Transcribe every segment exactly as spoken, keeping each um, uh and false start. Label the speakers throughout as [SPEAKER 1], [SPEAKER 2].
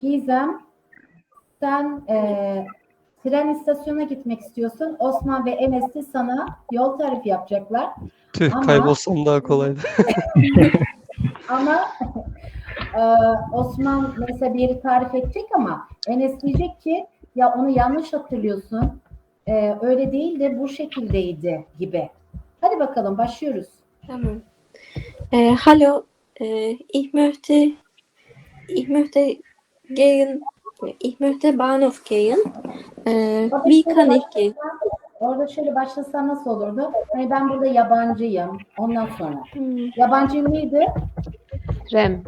[SPEAKER 1] Gizem, sen e, tren istasyonuna gitmek istiyorsun. Osman ve Enes de sana yol tarifi yapacaklar.
[SPEAKER 2] Tüh,
[SPEAKER 1] Ama
[SPEAKER 2] kaybolsam daha kolaydı.
[SPEAKER 1] ama e, Osman mesela bir yeri tarif edecek ama Enes diyecek ki ya onu yanlış hatırlıyorsun. E, öyle değil de bu şekildeydi gibi. Hadi bakalım başlıyoruz.
[SPEAKER 3] Tamam. Äh, hallo, äh, ich möchte, ich möchte gehen, ich möchte Bahnhof gehen. Äh,
[SPEAKER 1] Orada
[SPEAKER 3] wie
[SPEAKER 1] şöyle
[SPEAKER 3] kann ich gehen?
[SPEAKER 1] başlasan, orada şöyle başlasan nasıl olurdu? Hani ben burada yabancıyım. Ondan sonra.
[SPEAKER 3] Hmm,
[SPEAKER 1] Yabancı neydi?
[SPEAKER 4] Tramp.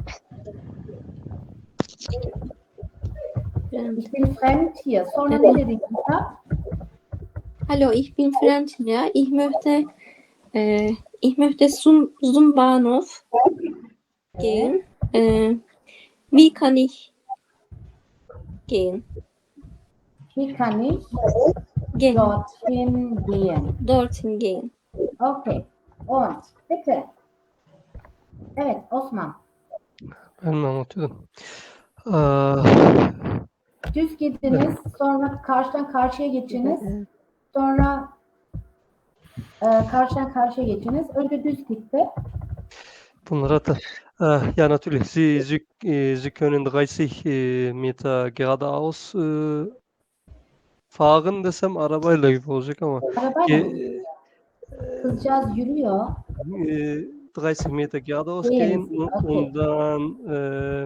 [SPEAKER 3] ähm,
[SPEAKER 1] Ich bin fremd hier. Sonra ne dedin Gizem?
[SPEAKER 3] hallo, ich bin Franz hier. Ich möchte, äh, ich möchte zum, zum Bahnhof gehen. Äh, wie kann ich gehen?
[SPEAKER 1] Wie kann ich
[SPEAKER 3] Gehen,
[SPEAKER 1] dorthin gehen?
[SPEAKER 3] dorthin gehen.
[SPEAKER 1] Okay. Und bitte. Evet Osman.
[SPEAKER 2] Ben mi anlatıyordum? Aa,
[SPEAKER 1] Düz gidiniz. Sonra karşıdan karşıya geçiniz. Sonra e, karşıdan karşıya geçiniz. Önce düz gitti.
[SPEAKER 2] bunlara da. Äh, ja, natürlich. Sie, Sie, äh, Sie können dreißig äh, Meter geradeaus äh, fahren desem arabayla gibi olacak ama
[SPEAKER 1] Arabayla mı?
[SPEAKER 2] ge-
[SPEAKER 1] Kızcağız yürüyor.
[SPEAKER 2] äh, dreißig Meter geradeaus
[SPEAKER 1] Gehen
[SPEAKER 2] gehen
[SPEAKER 1] Sie,
[SPEAKER 2] und,
[SPEAKER 1] okay.
[SPEAKER 2] und dann äh,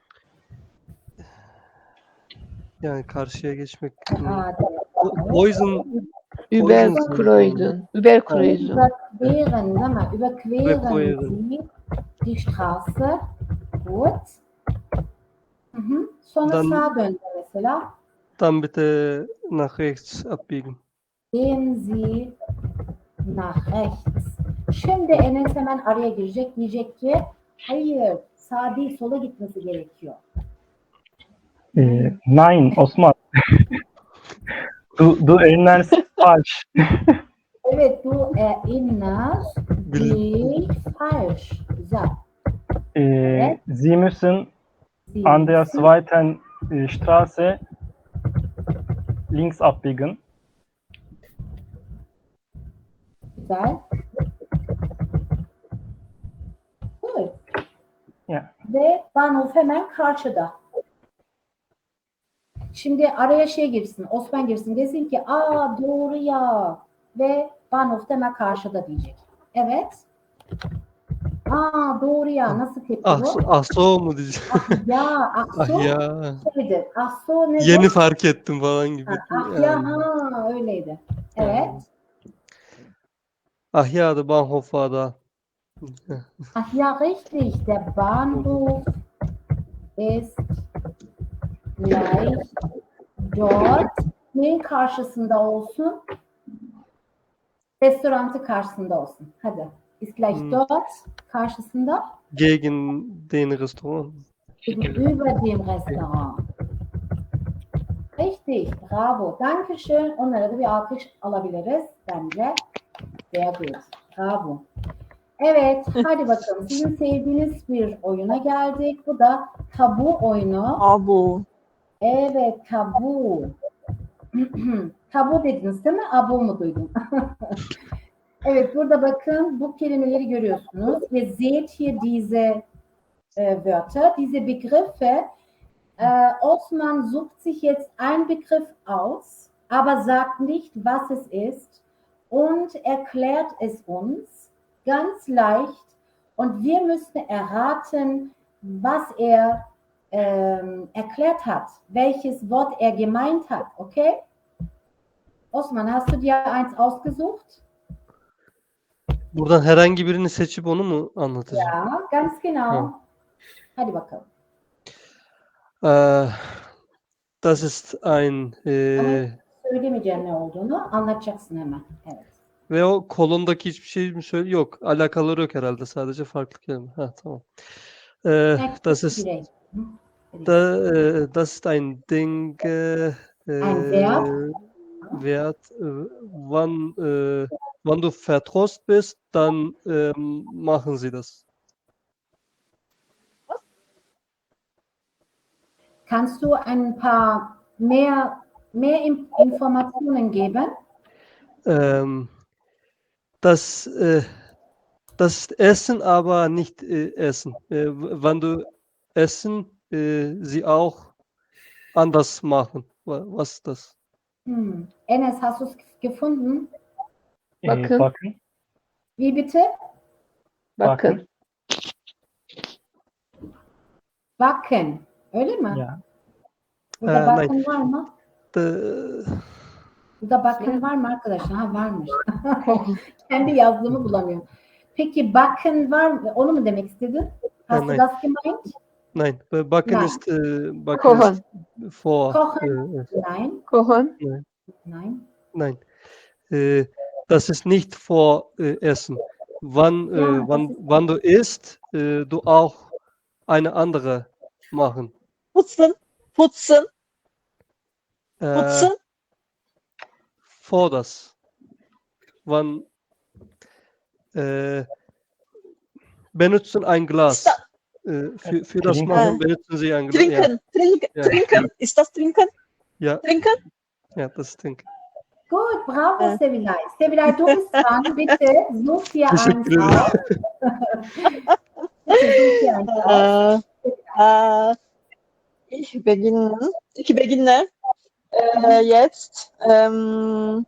[SPEAKER 2] yani karşıya geçmek.
[SPEAKER 1] Aa,
[SPEAKER 2] Poison
[SPEAKER 4] Überkreuzung. Überkreuzung.
[SPEAKER 1] Überqueren, sag mal, überqueren
[SPEAKER 2] Überqueren.
[SPEAKER 1] Sie die Straße. Gut. Hı hı. Sonra
[SPEAKER 2] Dan-
[SPEAKER 1] sağa döndü mesela.
[SPEAKER 2] dann bitte nach rechts abbiegen.
[SPEAKER 1] Gehen Sie nach rechts. Şimdi Enes hemen araya girecek. Diyecek ki hayır sağ değil sola gitmesi gerekiyor.
[SPEAKER 5] Äh, nein, Osman. Du, du erinnerst falsch.
[SPEAKER 1] Evet du erinnerst dich falsch. Güzel.
[SPEAKER 5] Äh, Sie müssen
[SPEAKER 1] Sie
[SPEAKER 5] an der
[SPEAKER 1] müssen-
[SPEAKER 5] zweiten äh, Straße links abbiegen.
[SPEAKER 1] Güzel. Cool.
[SPEAKER 5] Ya.
[SPEAKER 1] Ve Bahnhof hemen karşıda. Şimdi araya şey girsin, Osman girsin. Desin ki aa doğru ya. Ve Bahnhof hemen karşıda diyecek. Evet. Aa doğru ya. Nasıl tepki
[SPEAKER 2] Ah,
[SPEAKER 1] bu?
[SPEAKER 2] ah so mu diyeceğim.
[SPEAKER 1] Ah ya, ah
[SPEAKER 2] Ah
[SPEAKER 1] so
[SPEAKER 2] ya.
[SPEAKER 1] şeydir. Ah so nedir?
[SPEAKER 2] Yeni fark ettim falan gibi.
[SPEAKER 1] Ha, ah ya,
[SPEAKER 2] Yani.
[SPEAKER 1] ha öyleydi. Evet.
[SPEAKER 2] Ah ya da Bahnhof'a da.
[SPEAKER 1] Ach ja, richtig. Der Bahnhof ist gleich dort. Neyin karşısında olsun? Restorantı karşısında olsun. Hadi. Ist gleich
[SPEAKER 2] Hmm.
[SPEAKER 1] dort. Karşısında.
[SPEAKER 2] Gegen den Restaurant.
[SPEAKER 1] Über dem Restaurant. Richtig. Bravo. Dankeschön. Onlara da bir alkış alabiliriz. Bence. Sehr gut. Bravo. Evet. Hadi bakalım. Sizin sevdiğiniz bir oyuna geldik. Bu da tabu oyunu.
[SPEAKER 4] Abo.
[SPEAKER 1] Evet. Tabu. Tabu dediniz değil mi? Abo mu duydum? Evet. Burada bakın. Bu kelimeleri görüyorsunuz. Ihr seht hier diese äh, Wörter, diese Begriffe. Äh, Osman sucht sich jetzt einen Begriff aus, aber sagt nicht, was es ist und erklärt es uns ganz leicht und wir müssen erraten, was er ähm, erklärt hat, welches Wort er gemeint hat, okay? Osman, hast du dir eins ausgesucht?
[SPEAKER 2] Buradan herhangi birini seçip onu mu anlatacağım?
[SPEAKER 1] Ja, ganz genau.
[SPEAKER 2] Ja.
[SPEAKER 1] Hadi bakalım.
[SPEAKER 2] Äh, das ist ein äh,
[SPEAKER 1] Söylemeyeceğim ne olduğunu anlatacaksın hemen. Evet.
[SPEAKER 2] ve o kolondaki hiçbir şey mi söyle? Yok. Alakaları yok herhalde. Sadece farklı kelime. Ha, tamam. Äh, das ist
[SPEAKER 1] Birey. Hı.
[SPEAKER 2] da, äh, das ist ein Ding äh,
[SPEAKER 1] Ein Verb.
[SPEAKER 2] Wert. Äh, wann, äh, wann du vertrost bist, dann ähm, machen sie das.
[SPEAKER 1] Kannst du ein paar mehr, mehr In- Informationen geben?
[SPEAKER 2] Ähm, das, äh, das Essen, aber nicht äh, Essen. Äh, w- wenn du essen, äh, sie auch anders machen. Wa- Was ist das?
[SPEAKER 1] Hm. Enes, hast du es gefunden?
[SPEAKER 5] Ee,
[SPEAKER 4] Bakın.
[SPEAKER 5] bakın.
[SPEAKER 1] Wie bitte?
[SPEAKER 4] Bakın.
[SPEAKER 1] Backen. Öyle mi?
[SPEAKER 5] Ya.
[SPEAKER 1] Burada
[SPEAKER 2] Ee,
[SPEAKER 1] backen var mı?
[SPEAKER 2] Ee,
[SPEAKER 1] Burada backen var mı arkadaşlar? Ha varmış. Kendi yazdığımı bulamıyorum. Peki backen var mı? Onu mu demek istedin? Hast du
[SPEAKER 2] nein.
[SPEAKER 1] das gemeint?
[SPEAKER 2] Nein, äh, Backen
[SPEAKER 1] Nein.
[SPEAKER 2] ist, äh, Backen
[SPEAKER 4] Kochen.
[SPEAKER 2] ist vor.
[SPEAKER 1] Kochen?
[SPEAKER 2] Äh,
[SPEAKER 1] Nein.
[SPEAKER 4] Kochen.
[SPEAKER 1] Nein.
[SPEAKER 2] nein, äh, das ist nicht vor äh, Essen. Wann,
[SPEAKER 1] Ja,
[SPEAKER 2] äh,
[SPEAKER 1] das
[SPEAKER 2] wann,
[SPEAKER 1] ist-
[SPEAKER 2] wann du isst, äh, du auch eine andere machen.
[SPEAKER 6] Putzen, putzen,
[SPEAKER 2] Äh,
[SPEAKER 6] putzen.
[SPEAKER 2] vor das. Wann äh, benutzen ein Glas. Äh, für, für das
[SPEAKER 5] Trinken.
[SPEAKER 2] Machen benutzen sie ein Glas. Ja,
[SPEAKER 6] Trinken, trinken,
[SPEAKER 2] Ja.
[SPEAKER 6] trinken. Ist das trinken?
[SPEAKER 2] ja,
[SPEAKER 6] Trinken?
[SPEAKER 2] ja, das ist Trinken.
[SPEAKER 1] Gut, bravo
[SPEAKER 6] Äh.
[SPEAKER 1] Sevilay. Sevilay, du bist dran. Bitte such dir eins
[SPEAKER 2] Teşekkür
[SPEAKER 1] aus.
[SPEAKER 2] ederim.
[SPEAKER 1] Bitte such dir eins aus.
[SPEAKER 6] Äh, äh, ich beginne. Ich beginne. Äh, jetzt. Ähm,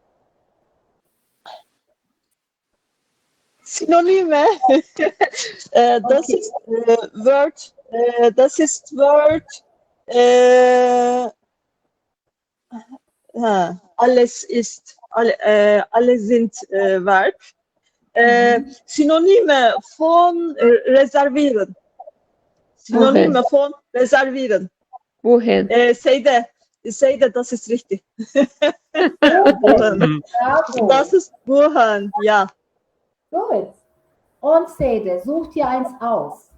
[SPEAKER 6] Synonyme. äh, das
[SPEAKER 1] Okay.
[SPEAKER 6] ist äh, Word. Äh, das ist Word. Äh, ha, alles ist. Alle, äh, alle sind äh, Verb. Äh, Synonyme von äh, reservieren. Synonyme von reservieren.
[SPEAKER 4] Wohin?
[SPEAKER 6] Äh, Seide, Seide, das ist richtig.
[SPEAKER 1] Gut, bravo.
[SPEAKER 6] Das ist Buchen, ja.
[SPEAKER 1] Gut. Und Sede, such dir eins aus.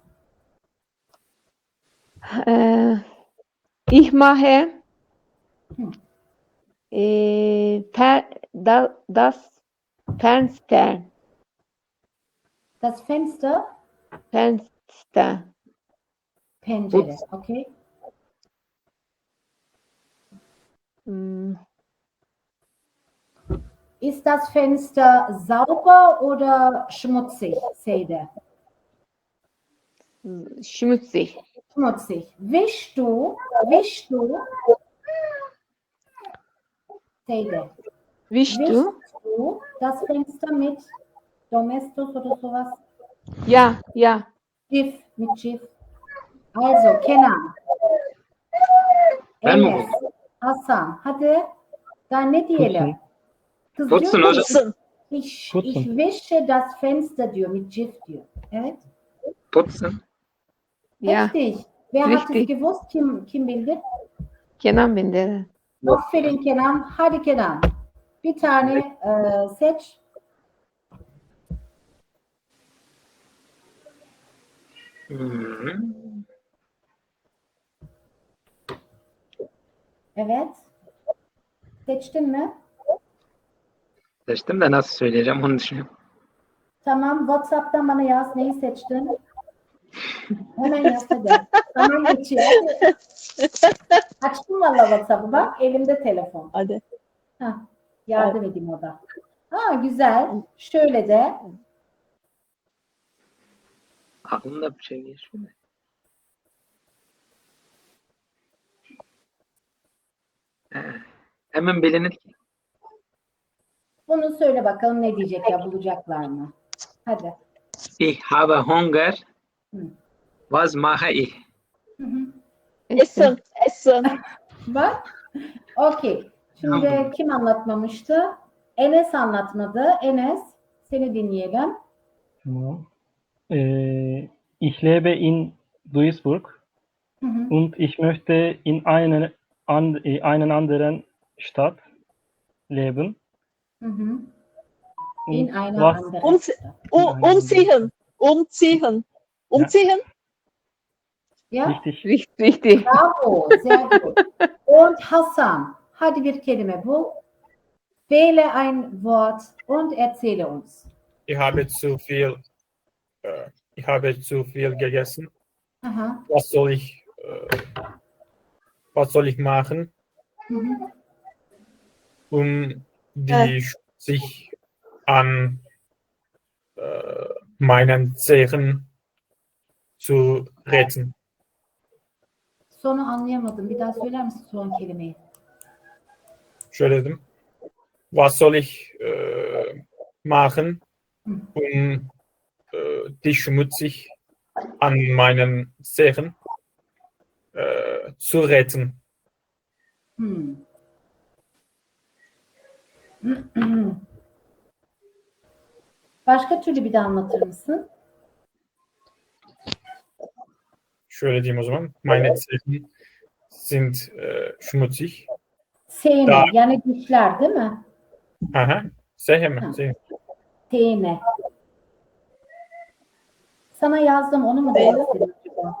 [SPEAKER 4] Äh, ich mache
[SPEAKER 1] Hm.
[SPEAKER 4] äh, per, da, das Fenster.
[SPEAKER 1] Das Fenster,
[SPEAKER 4] Fenster.
[SPEAKER 1] Pencere, okay?
[SPEAKER 4] Hm,
[SPEAKER 1] Ist das Fenster sauber oder schmutzig, Sede?
[SPEAKER 4] schmutzig.
[SPEAKER 1] Schmutzig. Wischst du, wischst du, Sede,
[SPEAKER 4] Wischst
[SPEAKER 1] wischst
[SPEAKER 4] du?
[SPEAKER 1] du das Fenster mit Domestos oder sowas?
[SPEAKER 4] Ja, ja.
[SPEAKER 1] Cif, mit Cif. Also, Kenan.
[SPEAKER 7] Ben mi
[SPEAKER 1] Enes, Hasan, hadi. Daha ne diyelim? Kız
[SPEAKER 7] Putzen
[SPEAKER 1] diyor ki,
[SPEAKER 7] hocam.
[SPEAKER 6] Putzen,
[SPEAKER 1] ich,
[SPEAKER 5] Putzen.
[SPEAKER 1] ich wische das Fenster diyor, mit Cif diyor. Evet.
[SPEAKER 7] Putzen.
[SPEAKER 4] Ja.
[SPEAKER 1] Richtig. Wer hat es
[SPEAKER 4] Richtig.
[SPEAKER 1] gewusst? Kim, kim bildi?
[SPEAKER 4] Kenan Bender.
[SPEAKER 1] Aferin Kenan. Hadi Kenan. Bir tane e, seç.
[SPEAKER 7] Hmm.
[SPEAKER 1] Evet. Seçtin mi?
[SPEAKER 7] Seçtim de nasıl söyleyeceğim onu düşünüyorum.
[SPEAKER 1] Tamam. WhatsApp'tan bana yaz. Neyi seçtin? Hemen yaz hadi. Tamam geçiyor. Açtım valla WhatsApp'ı bak. Elimde telefon.
[SPEAKER 6] hadi.
[SPEAKER 1] Hah, yardım edeyim o da. Ha güzel. Şöyle de.
[SPEAKER 7] Aklımda bir şey geçiyor. Ee, hemen bilinir ki.
[SPEAKER 1] Bunu söyle bakalım ne diyecek ya bulacaklar mı? Hadi.
[SPEAKER 7] Ich habe Hunger.
[SPEAKER 1] Hı.
[SPEAKER 7] Was mache ich?
[SPEAKER 1] Hı hı.
[SPEAKER 6] Essen, essen.
[SPEAKER 1] Bak. Okey. Şimdi
[SPEAKER 7] Tamam.
[SPEAKER 1] kim anlatmamıştı? Enes anlatmadı. Enes seni dinleyelim.
[SPEAKER 5] Tamam. Äh, ich lebe in Duisburg
[SPEAKER 1] Hı hı.
[SPEAKER 5] und ich möchte in einen, an, äh, einen anderen Stadt leben.
[SPEAKER 1] Hı hı.
[SPEAKER 5] Und
[SPEAKER 1] In einer
[SPEAKER 5] was,
[SPEAKER 1] anderen
[SPEAKER 6] Und-
[SPEAKER 1] Stadt.
[SPEAKER 6] Um, umziehen, umziehen, umziehen.
[SPEAKER 1] Ja?
[SPEAKER 5] richtig,
[SPEAKER 4] Richtig, richtig.
[SPEAKER 1] Bravo. Sehr gut. Und Hasan. Hadi bir kelime bul. Wähle ein Wort und erzähle uns.
[SPEAKER 8] Ich habe zu viel, äh, ich habe zu viel gegessen.
[SPEAKER 1] Aha.
[SPEAKER 8] Was soll ich, äh, was soll ich machen,
[SPEAKER 1] Hı hı.
[SPEAKER 8] um die sich an äh, meinen Zehen zu retten?
[SPEAKER 1] Sonu anlayamadım. Bir daha söyler misin son kelimeyi?
[SPEAKER 8] Şöyle dedim. Was soll ich äh, machen,
[SPEAKER 1] Hı.
[SPEAKER 8] um äh, die schmutzig an meinen Zehen äh, zu retten?
[SPEAKER 1] Hmm. Başka türlü bir de anlatır mısın?
[SPEAKER 8] Şöyle diyeyim o zaman. Meine Zehen sind äh, schmutzig.
[SPEAKER 1] Sene,
[SPEAKER 8] Daha-
[SPEAKER 1] yani dişler değil mi?
[SPEAKER 8] Aha. Zehe mi?
[SPEAKER 1] Ha.
[SPEAKER 8] Zehe.
[SPEAKER 1] Sene. Sana yazdım, onu mu demek istedin acaba?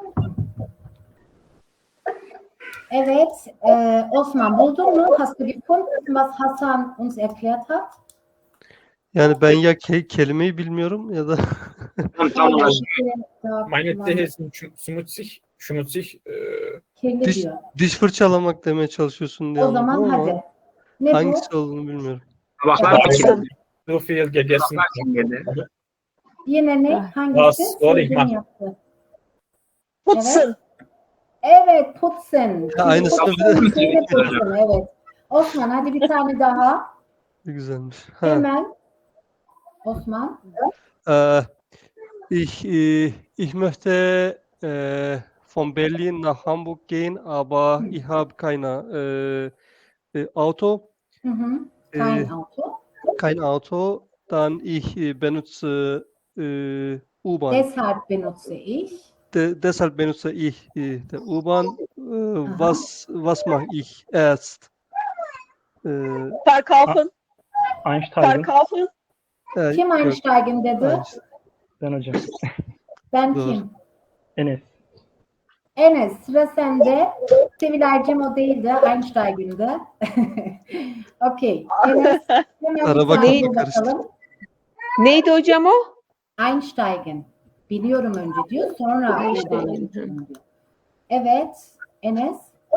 [SPEAKER 1] Evet, e, Osman buldun mu? Hast du gefunden, was Hasan uns erklärt hat?
[SPEAKER 2] Yani ben ya ke- kelimeyi bilmiyorum ya da
[SPEAKER 7] Tam tam olarak
[SPEAKER 8] Meine Zehen sind sch- schmutzig. Schmutzig. Äh,
[SPEAKER 1] Kirli
[SPEAKER 2] diş,
[SPEAKER 1] diyor.
[SPEAKER 2] diş fırçalamak demeye çalışıyorsun diye
[SPEAKER 1] O zaman
[SPEAKER 2] anladım ama
[SPEAKER 1] hadi. Ne
[SPEAKER 2] hangisi
[SPEAKER 1] bu?
[SPEAKER 2] olduğunu bilmiyorum.
[SPEAKER 7] tabaklar
[SPEAKER 8] Bazen
[SPEAKER 7] çingedi.
[SPEAKER 8] so viel gegessen.
[SPEAKER 7] Tabaklar çingedi.
[SPEAKER 1] Yine ne?
[SPEAKER 4] Ah,
[SPEAKER 1] Hangisi?
[SPEAKER 8] was soll ich
[SPEAKER 1] Sevdiğin
[SPEAKER 8] machen?
[SPEAKER 1] yaptı.
[SPEAKER 6] Putzen.
[SPEAKER 1] Evet, putzen.
[SPEAKER 2] Ya aynısını bir de-
[SPEAKER 1] Putzen, şeyle putzen, evet. Osman hadi bir tane daha.
[SPEAKER 2] Ne güzelmiş. Ha.
[SPEAKER 1] Hemen. Osman.
[SPEAKER 2] Äh, ich, äh, ich möchte äh, von Berlin nach Hamburg gehen, aber ich habe keine äh, äh, Auto,
[SPEAKER 1] Hı hı. Kein
[SPEAKER 2] Ee,
[SPEAKER 1] Auto.
[SPEAKER 2] kein Auto, dann ich äh, benutze äh, U-Bahn.
[SPEAKER 1] Deshalb benutze ich.
[SPEAKER 2] De deshalb benutze ich äh, der U-Bahn. Äh,
[SPEAKER 1] Aha.
[SPEAKER 2] was, was mache ich erst? Äh,
[SPEAKER 6] Verkaufen.
[SPEAKER 8] Einsteigen.
[SPEAKER 6] Verkaufen.
[SPEAKER 2] äh,
[SPEAKER 1] Kim
[SPEAKER 2] yok,
[SPEAKER 1] Einsteigen dedi?
[SPEAKER 2] Einstein.
[SPEAKER 8] Ben hocam.
[SPEAKER 1] Ben
[SPEAKER 2] Doğru.
[SPEAKER 1] kim?
[SPEAKER 8] Enes.
[SPEAKER 1] Enes sıra sende. Sevilaycığım o değildi. Einsteigen'de. Okey. Enes hemen
[SPEAKER 2] Araba
[SPEAKER 1] bir tane
[SPEAKER 4] kafamı
[SPEAKER 2] karıştı.
[SPEAKER 1] bakalım.
[SPEAKER 4] Neydi hocam o?
[SPEAKER 1] Einsteigen. Biliyorum önce diyor. Sonra
[SPEAKER 4] Einsteigen,
[SPEAKER 1] U-Bahn'a
[SPEAKER 4] hı.
[SPEAKER 1] geçiyorum diyor. Evet. Enes.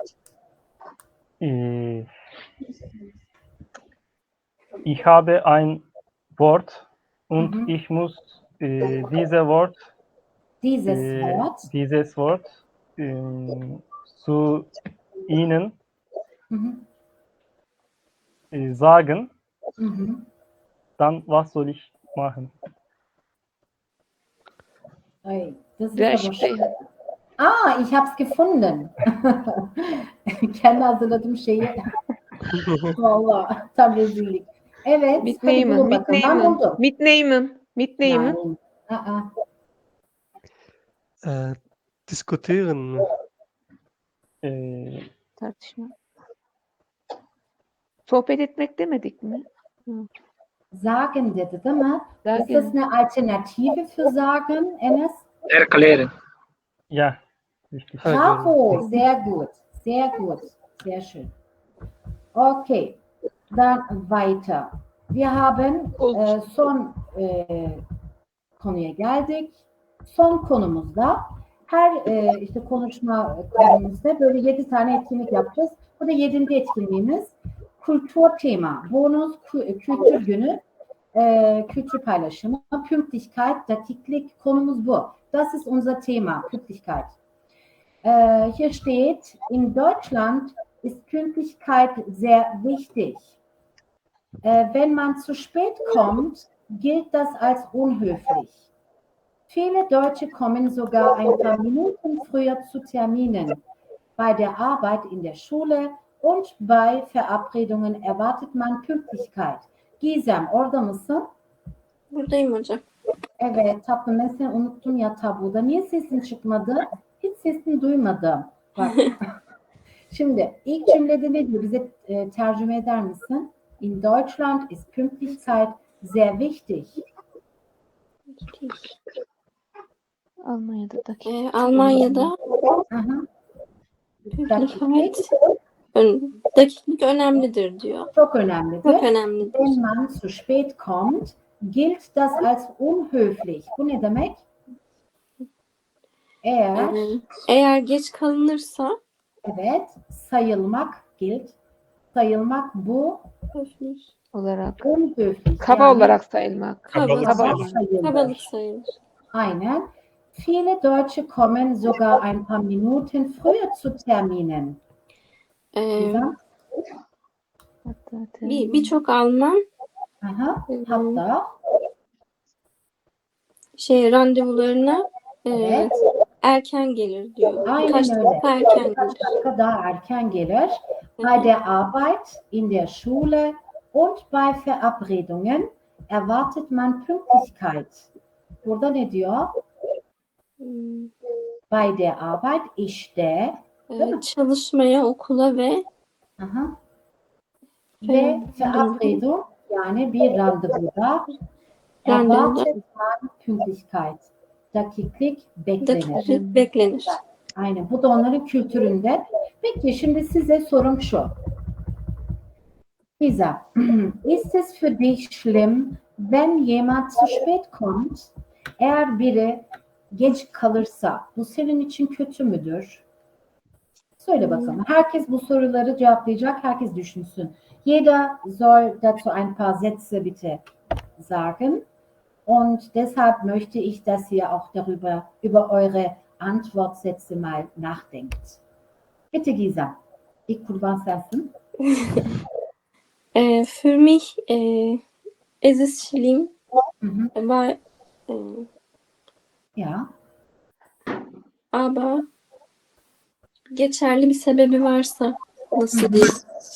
[SPEAKER 5] Äh, ich habe ein Wort und
[SPEAKER 1] Mhm.
[SPEAKER 5] ich muss äh, diese Wort,
[SPEAKER 1] Dieses
[SPEAKER 5] äh,
[SPEAKER 1] Wort.
[SPEAKER 5] dieses Wort ähm, zu Ihnen
[SPEAKER 1] Hı hı.
[SPEAKER 5] äh, sagen.
[SPEAKER 1] Hı hı.
[SPEAKER 5] Dann was soll ich machen?
[SPEAKER 1] Ay, das ist
[SPEAKER 4] Der
[SPEAKER 1] aber
[SPEAKER 4] Sprech-
[SPEAKER 1] schön. Ah, ich hab's gefunden. Kendi hazırladığım şeyi. Vallahi tam rezillik. Evet, hadi
[SPEAKER 4] Mitnehmen.
[SPEAKER 1] bulun bakalım. Ben
[SPEAKER 4] Mitnehmen.
[SPEAKER 1] buldum.
[SPEAKER 4] Mitnehmen. Mitnehmen.
[SPEAKER 1] Yani, aa,
[SPEAKER 2] Äh, diskutieren mi?
[SPEAKER 5] Äh,
[SPEAKER 4] Tartışma. Sohbet etmek demedik mi?
[SPEAKER 1] sagen dedi değil mi? Ist das
[SPEAKER 4] Sagen.
[SPEAKER 1] eine Alternative für sagen, Enes?
[SPEAKER 7] Erklären.
[SPEAKER 5] ja, richtig.
[SPEAKER 2] Ha,
[SPEAKER 1] Bravo,
[SPEAKER 2] gördüm.
[SPEAKER 1] sehr gut, sehr gut, sehr schön. Okay, dann weiter. Wir haben
[SPEAKER 4] Gut.
[SPEAKER 1] e, son e, konuya geldik. Son konumuzda her e, işte konuşma konumuzda böyle yedi tane etkinlik yapacağız. Bu da yedinci etkinliğimiz. Kultur tema, bonus kü- kültür günü, e, kültür paylaşımı, Pünktlichkeit, dakiklik konumuz bu. Das ist unser Thema, Pünktlichkeit. Äh, hier steht, in Deutschland ist Pünktlichkeit sehr wichtig. Äh, wenn man zu spät kommt, gilt das als unhöflich. Viele Deutsche kommen sogar ein paar Minuten früher zu Terminen. Bei der Arbeit in der Schule und bei Verabredungen erwartet man Pünktlichkeit. Gizem, orada mısın?
[SPEAKER 3] Buradayım hocam.
[SPEAKER 1] Evet tatlım, ben seni unuttum ya tabuda. Niye sesin çıkmadı? Hiç sesini duymadım. Bak. Şimdi ilk cümlede ne diyor? Bize e, tercüme eder misin? In Deutschland ist Pünktlichkeit sehr wichtig.
[SPEAKER 4] Almanya'da dakika.
[SPEAKER 3] Ee, Almanya'da
[SPEAKER 1] Aha,
[SPEAKER 3] pünktlichkeit, ön- dakiklik önemlidir diyor.
[SPEAKER 1] çok önemlidir.
[SPEAKER 3] Çok önemlidir.
[SPEAKER 1] Wenn man zu spät kommt, gilt das als unhöflich. Bu ne demek? Eğer
[SPEAKER 3] Ee, eğer geç kalınırsa
[SPEAKER 1] Evet. Sayılmak gilt. Sayılmak bu
[SPEAKER 3] Höflich.
[SPEAKER 4] Olarak.
[SPEAKER 1] unhöflich.
[SPEAKER 4] Kaba
[SPEAKER 1] yani
[SPEAKER 4] olarak sayılmak.
[SPEAKER 3] Kabalık.
[SPEAKER 1] kaba
[SPEAKER 4] Kabalık.
[SPEAKER 1] sayılır.
[SPEAKER 3] Kabalık sayılır.
[SPEAKER 1] Aynen. Viele Deutsche kommen sogar ein paar Minuten früher zu Terminen.
[SPEAKER 3] Ee,
[SPEAKER 1] Gizem?
[SPEAKER 4] Hatta
[SPEAKER 3] bir birçok Alman
[SPEAKER 1] Aha.
[SPEAKER 3] Hı hı.
[SPEAKER 1] Hatta
[SPEAKER 3] şey randevularına e,
[SPEAKER 1] evet.
[SPEAKER 3] erken gelir diyor.
[SPEAKER 1] Aynen
[SPEAKER 3] Birkaç
[SPEAKER 1] öyle.
[SPEAKER 3] dakika erken
[SPEAKER 1] Birkaç
[SPEAKER 3] gelir.
[SPEAKER 1] dakika daha erken gelir.
[SPEAKER 3] Hı
[SPEAKER 1] Bei
[SPEAKER 3] hı.
[SPEAKER 1] der Arbeit, in der Schule und bei Verabredungen erwartet man Pünktlichkeit. Burada ne diyor?
[SPEAKER 3] Hmm,
[SPEAKER 1] Bei der Arbeit, işte. Değil mi?
[SPEAKER 3] e, çalışmaya, okula ve
[SPEAKER 1] Aha. Ve Verabredung, yani bir randevuda
[SPEAKER 3] randevuda
[SPEAKER 1] erwartet man Pünktlichkeit. Dakiklik beklenir.
[SPEAKER 3] dakika beklenir.
[SPEAKER 1] Aynen. Bu da onların kültüründe. Peki şimdi size sorum şu. Lisa, ist es für dich schlimm, wenn jemand zu spät kommt? Eğer biri geç kalırsa bu senin için kötü müdür? Söyle bakalım. Herkes bu soruları cevaplayacak. Herkes düşünsün. Jeder soll dazu ein paar Sätze bitte sagen. Und deshalb möchte ich, dass ihr auch darüber, über eure Antwortsätze mal nachdenkt. Bitte Gisa. İlk kurban sensin.
[SPEAKER 3] Äh, für mich äh, ist es schlimm,
[SPEAKER 1] Hı hı.
[SPEAKER 3] weil, äh,
[SPEAKER 1] Ja.
[SPEAKER 3] aber geçerli bir sebebi varsa nasıl diyeyim?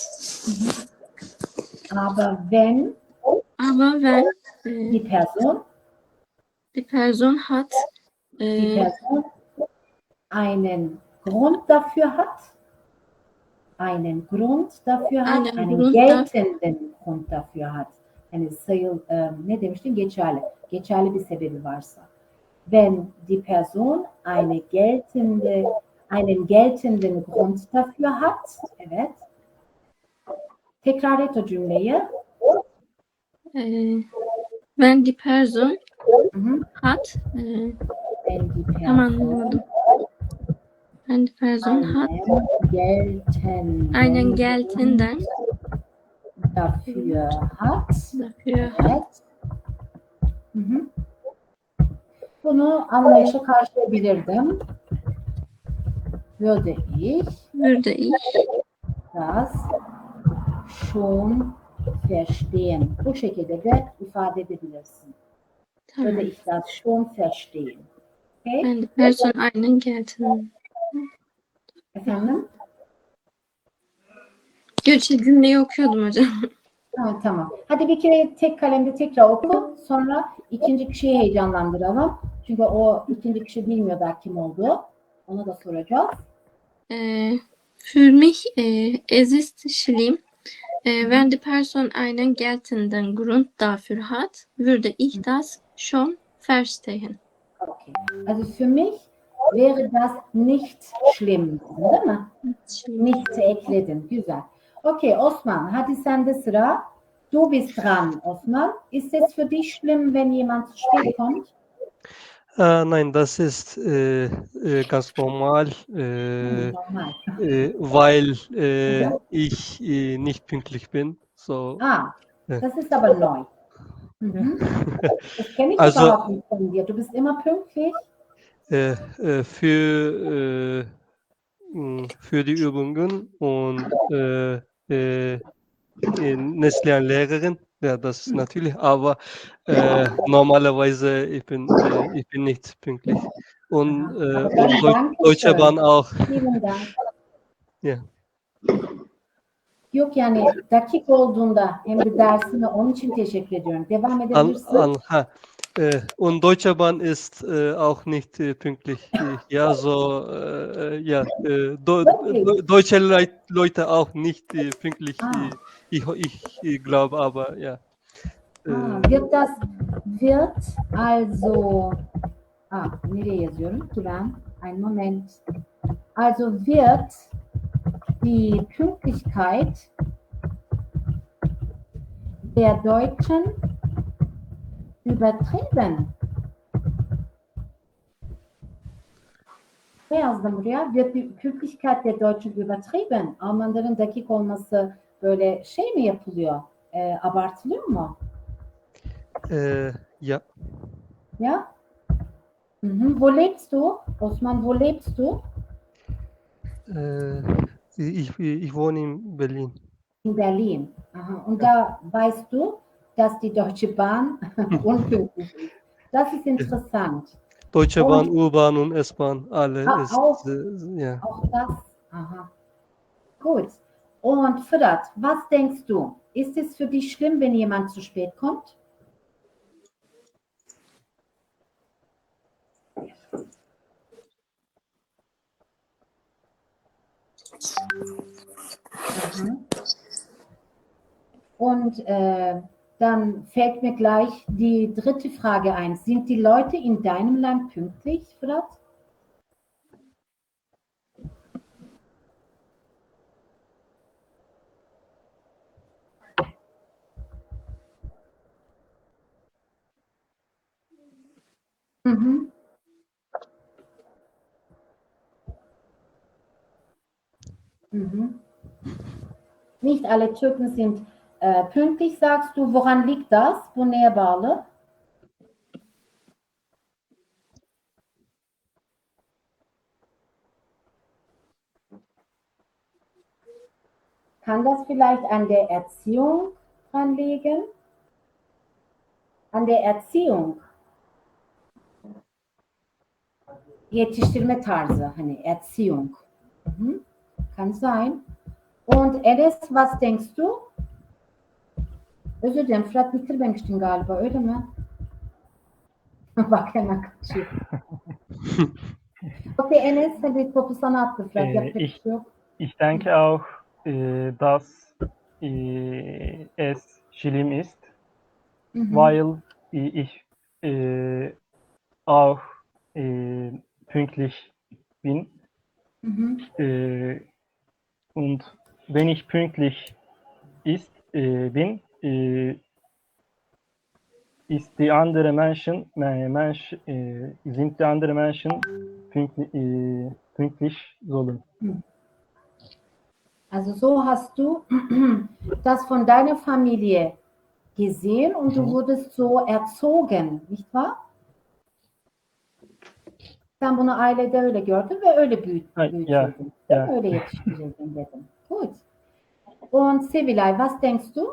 [SPEAKER 1] Aber wenn
[SPEAKER 3] Aber wenn äh,
[SPEAKER 1] die Person,
[SPEAKER 3] die Person hat
[SPEAKER 1] die
[SPEAKER 3] äh,
[SPEAKER 1] Person einen Grund dafür hat, einen Grund dafür hat,
[SPEAKER 3] Einen
[SPEAKER 1] einen
[SPEAKER 3] Grund
[SPEAKER 1] geltenden Grund dafür hat. Yani sayıl, e, ne demiştin? Geçerli. Geçerli bir sebebi varsa. Wenn die Person eine geltende, einen geltenden Grund dafür hat, evet. Tekrar et o cümleyi.
[SPEAKER 3] äh, wenn die Person
[SPEAKER 1] Hı hı.
[SPEAKER 3] hat äh,
[SPEAKER 1] Wenn die
[SPEAKER 3] tamam
[SPEAKER 1] Person
[SPEAKER 3] anladım. Wenn die Person hat
[SPEAKER 1] einen geltenden,
[SPEAKER 3] einen geltenden
[SPEAKER 1] dafür hat,
[SPEAKER 3] dafür
[SPEAKER 1] evet. Hı hı. Bunu anlayışa karşılayabilirdim. Würde ich
[SPEAKER 3] würde ich
[SPEAKER 1] das schon verstehen. Bu şekilde de ifade edebilirsin. Würde
[SPEAKER 3] tamam.
[SPEAKER 1] ich das schon verstehen. Okay?
[SPEAKER 3] Wenn die Person einen geltenden
[SPEAKER 1] Efendim?
[SPEAKER 3] Gerçi cümleyi okuyordum hocam.
[SPEAKER 1] Ha, tamam. Hadi bir kere tek kalemde tekrar oku. Sonra ikinci kişiyi heyecanlandıralım. Çünkü o ikinci kişi bilmiyor da kim olduğu. Ona da soracağız.
[SPEAKER 3] Äh, für mich äh, es ist schlimm, äh, wenn die Person einen geltenden Grund dafür hat, würde ich das schon verstehen.
[SPEAKER 1] Okay. Also für mich wäre das nicht schlimm, değil mi? Nicht'i ekledin. Güzel. Okay Osman, hadi sende sıra. Du bist dran, Osman. Ist es für dich schlimm, wenn jemand zu spät kommt?
[SPEAKER 2] Äh, nein, das ist äh, äh, ganz normal, äh,
[SPEAKER 1] Normal.
[SPEAKER 2] äh, weil äh, ich äh, nicht pünktlich bin. So,
[SPEAKER 1] Ah,
[SPEAKER 2] Ja.
[SPEAKER 1] das ist aber neu. Mhm. Das kenne ich
[SPEAKER 2] Also-
[SPEAKER 1] überhaupt nicht von dir. Du bist immer pünktlich.
[SPEAKER 2] äh, äh, für, äh, mh, für die Übungen und äh, äh, äh, Neslihan Lehrerin, ja, das ist natürlich, aber äh, normalerweise ich bin, äh, ich bin nicht pünktlich. Und,
[SPEAKER 1] Aha.
[SPEAKER 2] äh,
[SPEAKER 1] Aber dann
[SPEAKER 2] und Deu
[SPEAKER 1] danke
[SPEAKER 2] Deutsche
[SPEAKER 1] schön.
[SPEAKER 2] Bahn auch.
[SPEAKER 1] Vielen Dank.
[SPEAKER 2] Ja.
[SPEAKER 1] Yok yani dakik olduğunda hem de dersine onun için teşekkür ediyorum. Devam
[SPEAKER 2] An,
[SPEAKER 1] edebilirsin.
[SPEAKER 2] an, ha. Äh, und Deutsche Bahn ist äh, auch nicht äh, pünktlich. Äh, Ja, so, äh, ja, äh, Do
[SPEAKER 1] Wirklich?
[SPEAKER 2] Do deutsche Leit Leute auch nicht äh, pünktlich.
[SPEAKER 1] Ah.
[SPEAKER 2] Äh, ich, ich, ich glaube, aber ja. Äh,
[SPEAKER 1] Ah, wird das wird also ah, nereye yazıyorum ki ben? Ein Moment. Also wird die Pünktlichkeit der Deutschen übertrieben. Ne yazdım buraya? Wird die Pünktlichkeit der Deutschen übertrieben? Almanların dakik olması böyle şey mi yapılıyor? E, abartılıyor mu?
[SPEAKER 2] Äh, ja,
[SPEAKER 1] Ya? Mhm. Wo lebst du? Osman, wo lebst du?
[SPEAKER 2] äh, ich, ich wohne in Berlin.
[SPEAKER 1] In Berlin. Aha. Und da weißt du, dass die Deutsche Bahn unpünktlich ist. Das ist interessant.
[SPEAKER 2] Deutsche
[SPEAKER 1] Und-
[SPEAKER 2] Bahn, U-Bahn und S-Bahn, alle
[SPEAKER 1] Ah,
[SPEAKER 2] ist,
[SPEAKER 1] auch.
[SPEAKER 2] äh, ja.
[SPEAKER 1] Auch das. Aha. Gut. Und Fırat, was denkst du? Ist es für dich schlimm, wenn jemand zu spät kommt? Mhm. Und äh, dann fällt mir gleich die dritte Frage ein. Sind die Leute in deinem Land pünktlich, Fırat? Mhm. Mhm. Nicht alle Türken sind äh, pünktlich, sagst du. Woran liegt das? Bu neye bağlı? Kann das vielleicht an der Erziehung dran liegen? An der Erziehung. Yetiştirme tarzı, hani Erziehung. Mhm. Kann sein. Und Enes, was denkst du? Özür dilerim, Fırat bitirmemiştin galiba, öyle mi? Bak hemen kaçıyor. Okay, Enes, hadi topu sana attı Fırat,
[SPEAKER 5] Ee,
[SPEAKER 1] yapacak bir
[SPEAKER 5] ich-
[SPEAKER 1] şey yok.
[SPEAKER 5] Ich denke auch, äh, dass äh, es schlimm ist,
[SPEAKER 1] Hı hı.
[SPEAKER 5] weil ich äh, auch äh, pünktlich bin.
[SPEAKER 1] Hı hı.
[SPEAKER 5] Äh, und wenn ich pünktlich ist, äh, bin, äh, ist die andere Menschen, äh, Mensch, äh, sind die andere Menschen pünktlich, äh, pünktlich sollen.
[SPEAKER 1] Also so hast du das von deiner Familie gesehen und du
[SPEAKER 5] Mhm.
[SPEAKER 1] wurdest so erzogen, nicht wahr? Sen bunu ailede öyle gördün ve öyle büyüt,
[SPEAKER 5] Ay,
[SPEAKER 1] büyütüldün.
[SPEAKER 5] ya,
[SPEAKER 1] değil mi?
[SPEAKER 5] ya.
[SPEAKER 1] Öyle yetiştirildin dedim. Gut. Und Sevilay, was denkst du?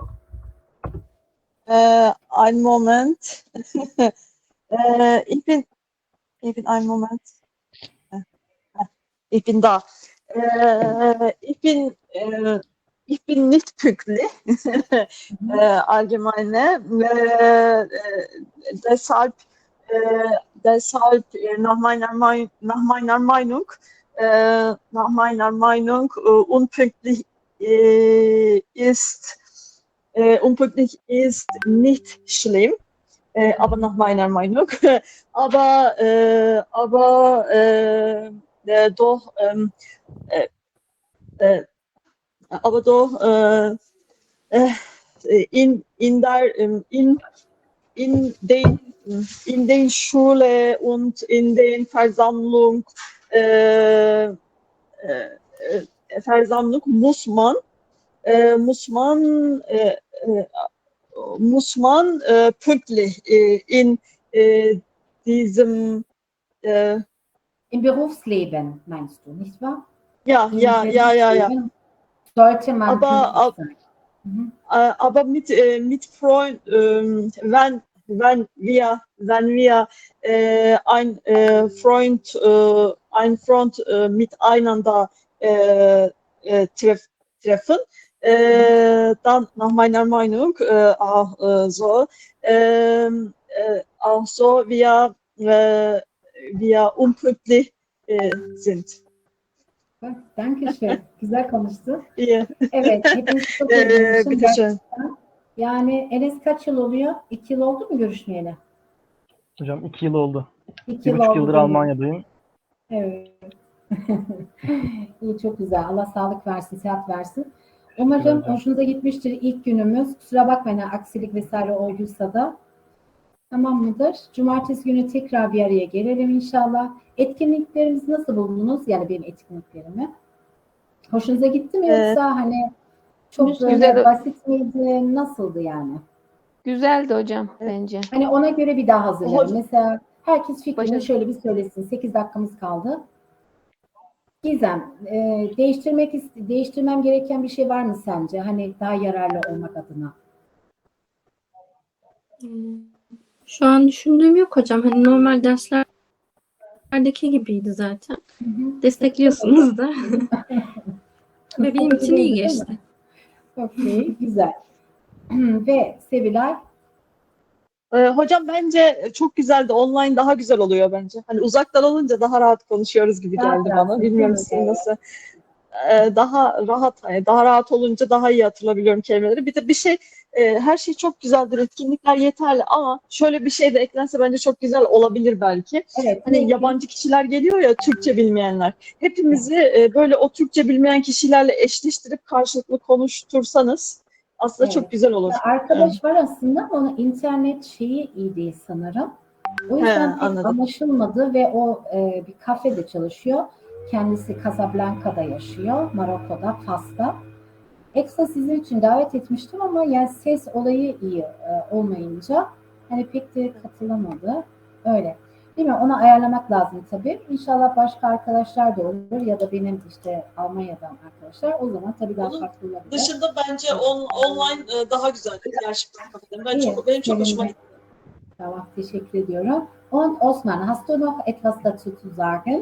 [SPEAKER 6] Äh, einen Moment. äh, ich bin, ich bin einen Moment. Äh, Ich bin da. Äh, ich bin, äh, ich bin nicht pünktlich, äh, allgemeine. Äh, äh, deshalb, äh, deshalb äh, nach meiner Meinung, nach meiner Meinung, äh, nach meiner Meinung, äh, unpünktlich äh, ist, äh, unpünktlich ist nicht schlimm. Äh, aber nach meiner Meinung. aber äh, aber äh, äh, doch ähm, äh, äh, aber doch äh, äh, in in der ähm, in in den in den Schule und in den Versammlung äh, äh, äh, Versammlung muss man äh, muss man äh, äh, muss man äh, pünktlich äh, in äh, diesem äh,
[SPEAKER 1] Im Berufsleben meinst du, nicht wahr?
[SPEAKER 6] ja
[SPEAKER 1] Im
[SPEAKER 6] ja ja ja ja
[SPEAKER 1] Berufsleben sollte man
[SPEAKER 6] Aber-
[SPEAKER 1] pünktlich
[SPEAKER 6] ab-
[SPEAKER 1] sein. Mhm.
[SPEAKER 6] äh, aber mit äh, mit Freund ähm, wenn wenn wir wenn wir äh, ein äh, Freund äh, ein Freund äh, miteinander äh, äh, treff, treffen äh, dann nach meiner Meinung äh, auch äh, so ähm, äh, auch so wir äh, wir unpünktlich äh, sind.
[SPEAKER 1] Bak, danke schön. Güzel konuştu.
[SPEAKER 6] İyi.
[SPEAKER 1] Evet, hepiniz çok iyi
[SPEAKER 6] Ee,
[SPEAKER 1] görüşün.
[SPEAKER 6] bitişen.
[SPEAKER 1] Yani Enes kaç yıl oluyor? İki yıl oldu mu görüşmeyeli?
[SPEAKER 5] Hocam iki yıl oldu.
[SPEAKER 1] İki
[SPEAKER 5] Bir
[SPEAKER 1] yıl
[SPEAKER 5] buçuk
[SPEAKER 1] oldu
[SPEAKER 5] yıldır
[SPEAKER 1] değil mi?
[SPEAKER 5] Almanya'dayım.
[SPEAKER 1] Evet. İyi, çok güzel. Allah sağlık versin, sıhhat versin. Umarım
[SPEAKER 5] Teşekkür ederim.
[SPEAKER 1] hoşunuza gitmiştir ilk günümüz. Kusura bakmayın, aksilik vesaire olduysa da. Tamam mıdır? Cumartesi günü tekrar bir araya gelelim inşallah. Etkinliklerimizi nasıl buldunuz? Yani benim etkinliklerimi. Hoşunuza gitti mi
[SPEAKER 6] Ee,
[SPEAKER 1] yoksa hani çok
[SPEAKER 4] güzel-
[SPEAKER 1] böyle basit miydi? Nasıldı yani?
[SPEAKER 4] Güzeldi hocam bence.
[SPEAKER 1] Hani ona göre bir daha hazırlayalım.
[SPEAKER 6] Hocam-
[SPEAKER 1] Mesela herkes fikrini
[SPEAKER 4] Başarılı.
[SPEAKER 1] şöyle bir söylesin. sekiz dakikamız kaldı. Gizem, e, değiştirmek ist- değiştirmem gereken bir şey var mı sence? Hani daha yararlı olmak adına.
[SPEAKER 3] Hmm. Şu an düşündüğüm yok hocam. Hani normal derslerdeki gibiydi zaten.
[SPEAKER 1] Hı hı.
[SPEAKER 3] Destekliyorsunuz da. Ve benim için iyi geçti.
[SPEAKER 1] Okey, güzel. Ve Sevilay,
[SPEAKER 6] Ee, hocam bence çok güzeldi. Online daha güzel oluyor bence. Hani uzaktan olunca daha rahat konuşuyoruz gibi
[SPEAKER 1] Rahat
[SPEAKER 6] geldi
[SPEAKER 1] rahat,
[SPEAKER 6] bana.
[SPEAKER 1] değil
[SPEAKER 6] Bilmiyorum
[SPEAKER 1] mi?
[SPEAKER 6] sizin
[SPEAKER 1] Evet.
[SPEAKER 6] nasıl. Ee, daha rahat, hani daha rahat olunca daha iyi hatırlayabiliyorum kelimeleri. Bir de bir şey, e, her şey çok güzeldir. Etkinlikler yeterli ama şöyle bir şey de eklense bence çok güzel olabilir belki.
[SPEAKER 1] Evet,
[SPEAKER 6] Hani
[SPEAKER 1] peki.
[SPEAKER 6] yabancı kişiler geliyor ya, Türkçe bilmeyenler. Hepimizi e, böyle o Türkçe bilmeyen kişilerle eşleştirip karşılıklı konuştursanız aslında çok
[SPEAKER 1] Evet.
[SPEAKER 6] güzel olur.
[SPEAKER 1] Ya arkadaş var aslında ama onun internet şeyi iyi değil sanırım. O
[SPEAKER 6] He,
[SPEAKER 1] yüzden pek
[SPEAKER 6] anladım.
[SPEAKER 1] anlaşılmadı ve o e, bir kafede çalışıyor. Kendisi Casablanca'da yaşıyor, Marokko'da, Fas'ta. Ekstra sizin için davet etmiştim ama yani ses olayı iyi e, olmayınca hani pek de katılamadı. Öyle. Değil mi? Onu ayarlamak lazım tabii. İnşallah başka arkadaşlar da olur ya da benim işte Almanya'dan arkadaşlar. O zaman tabii daha
[SPEAKER 6] Onun
[SPEAKER 1] farklı olabilir.
[SPEAKER 6] Dışında bence on, online e, daha güzeldir gerçekten kafeden. Ben
[SPEAKER 1] İyi,
[SPEAKER 6] çok, benim çok hoşuma
[SPEAKER 1] sevindim.
[SPEAKER 6] gitti.
[SPEAKER 1] Tamam, teşekkür ediyorum. Und Osman, hast du noch etwas dazu zu sagen?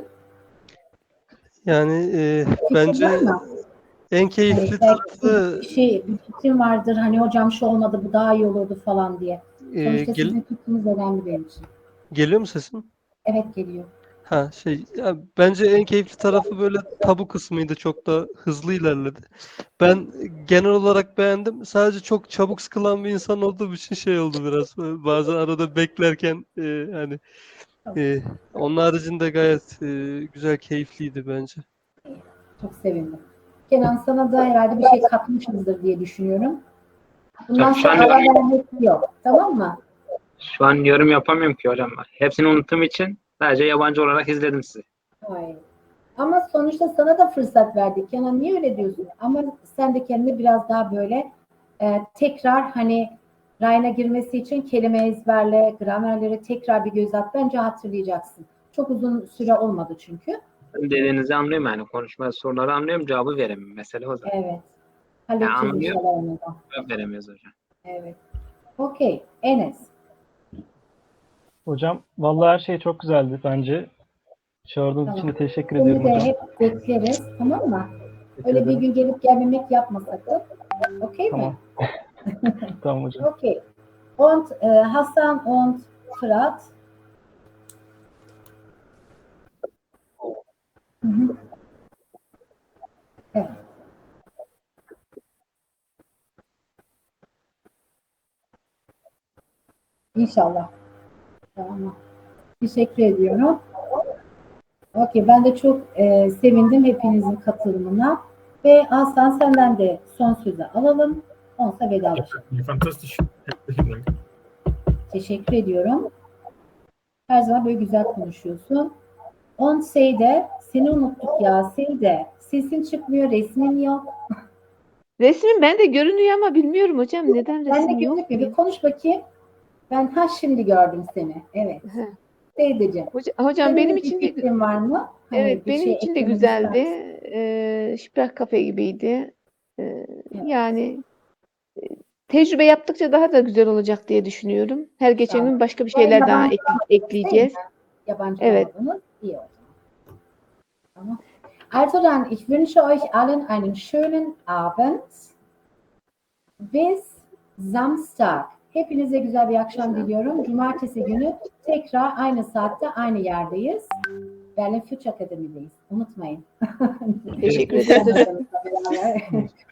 [SPEAKER 2] Yani e,
[SPEAKER 1] Fikrin
[SPEAKER 2] bence
[SPEAKER 1] var mı?
[SPEAKER 2] en
[SPEAKER 1] Hani
[SPEAKER 2] keyifli
[SPEAKER 1] belki
[SPEAKER 2] tarafı
[SPEAKER 1] bir şey, bir fikrin vardır. Hani hocam şu olmadı, bu daha iyi olurdu falan diye.
[SPEAKER 2] e,
[SPEAKER 1] Sonuçta
[SPEAKER 2] gel-
[SPEAKER 1] sizin fikriniz önemli benim için.
[SPEAKER 2] geliyor mu sesim?
[SPEAKER 1] Evet, geliyor.
[SPEAKER 2] Ha şey ya bence en keyifli tarafı böyle tabu kısmıydı. Çok da hızlı ilerledi. Ben genel olarak beğendim. Sadece çok çabuk sıkılan bir insan olduğum için şey oldu biraz. Bazen arada beklerken e, hani e, onun haricinde gayet e, güzel, keyifliydi bence.
[SPEAKER 1] Çok sevindim. Kenan, sana da herhalde bir şey katmışızdır diye düşünüyorum. Bundan
[SPEAKER 7] Hocam şu
[SPEAKER 1] sonra
[SPEAKER 7] an
[SPEAKER 1] ara vermek yok. Tamam mı?
[SPEAKER 7] şu an yorum yapamıyorum ki hocam. Hepsini unuttuğum için sadece yabancı olarak izledim sizi.
[SPEAKER 1] Hayır. Ama sonuçta sana da fırsat verdik. Kenan, niye öyle diyorsun? Ama sen de kendini biraz daha böyle e, tekrar hani rayına girmesi için kelime ezberle, gramerleri tekrar bir göz at. Bence hatırlayacaksın. Çok uzun süre olmadı çünkü.
[SPEAKER 7] Dediğinizi anlıyorum yani. Konuşma soruları anlıyorum. Cevabı veremiyorum. Mesele o zaten.
[SPEAKER 1] Evet.
[SPEAKER 7] Yani
[SPEAKER 1] Halledeceğiz
[SPEAKER 7] anlıyorum.
[SPEAKER 1] inşallah onu da.
[SPEAKER 7] Cevap veremiyoruz hocam.
[SPEAKER 1] Evet. Okey. Enes.
[SPEAKER 5] Hocam vallahi her şey çok güzeldi bence. Çağırdığınız için
[SPEAKER 1] Tamam.
[SPEAKER 5] de teşekkür
[SPEAKER 1] Seni
[SPEAKER 5] ederim
[SPEAKER 1] de
[SPEAKER 5] hocam.
[SPEAKER 1] hep bekleriz. Tamam mı?
[SPEAKER 5] Teşekkür
[SPEAKER 1] Öyle bir
[SPEAKER 5] ederim.
[SPEAKER 1] gün gelip gelmemek yapma sakın. Okey mi?
[SPEAKER 5] Tamam. Tamam hocam.
[SPEAKER 1] Okay. Und äh, Hassan und Fırat. Hı hı. Evet. İnşallah. Tamam. Teşekkür ediyorum. Okey. Ben de çok e, sevindim hepinizin katılımına. Ve Hasan, senden de son sözü alalım. Onsa vedalaşalım.
[SPEAKER 8] Fantastisch. Herzlichen Dank.
[SPEAKER 1] Teşekkür ediyorum. Her zaman böyle güzel konuşuyorsun. On Seyde, seni unuttuk ya Seyde. Sesin çıkmıyor, resmin yok.
[SPEAKER 4] Resmin bende görünüyor ama bilmiyorum hocam neden
[SPEAKER 1] Ben de
[SPEAKER 4] resim yok
[SPEAKER 1] gözükmüyor.
[SPEAKER 4] diye.
[SPEAKER 1] Bir konuş bakayım. Ben ha şimdi gördüm seni. Evet.
[SPEAKER 4] He.
[SPEAKER 1] Seydeciğim.
[SPEAKER 4] Hoca- Hocam
[SPEAKER 1] Senin
[SPEAKER 4] benim
[SPEAKER 1] bir
[SPEAKER 4] için de
[SPEAKER 1] fikrin var mı? Hani
[SPEAKER 4] evet
[SPEAKER 1] bir
[SPEAKER 4] benim
[SPEAKER 1] şey
[SPEAKER 4] için de
[SPEAKER 1] eklemek
[SPEAKER 4] güzeldi.
[SPEAKER 1] ister misin?
[SPEAKER 4] Ee, Sprach kafe gibiydi. Ee,
[SPEAKER 1] Evet.
[SPEAKER 4] yani e, tecrübe yaptıkça daha da güzel olacak diye düşünüyorum. Her geçen
[SPEAKER 1] Tamam.
[SPEAKER 4] gün başka bir
[SPEAKER 1] Bu arada
[SPEAKER 4] şeyler daha
[SPEAKER 1] yabancı
[SPEAKER 4] ekle-
[SPEAKER 1] olmadınız değil mi?
[SPEAKER 4] ekleyeceğiz.
[SPEAKER 1] Yabancı
[SPEAKER 4] Evet.
[SPEAKER 1] olmadınız. İyi o zaman. Tamam. Also dann, ich wünsche euch allen einen schönen Abend. Bis Samstag. Hepinize güzel bir akşam diliyorum. Cumartesi günü tekrar aynı saatte aynı yerdeyiz. Berlin Future Akademi'deyiz. Unutmayın.
[SPEAKER 4] Teşekkür ederiz hocam.
[SPEAKER 1] Beraber.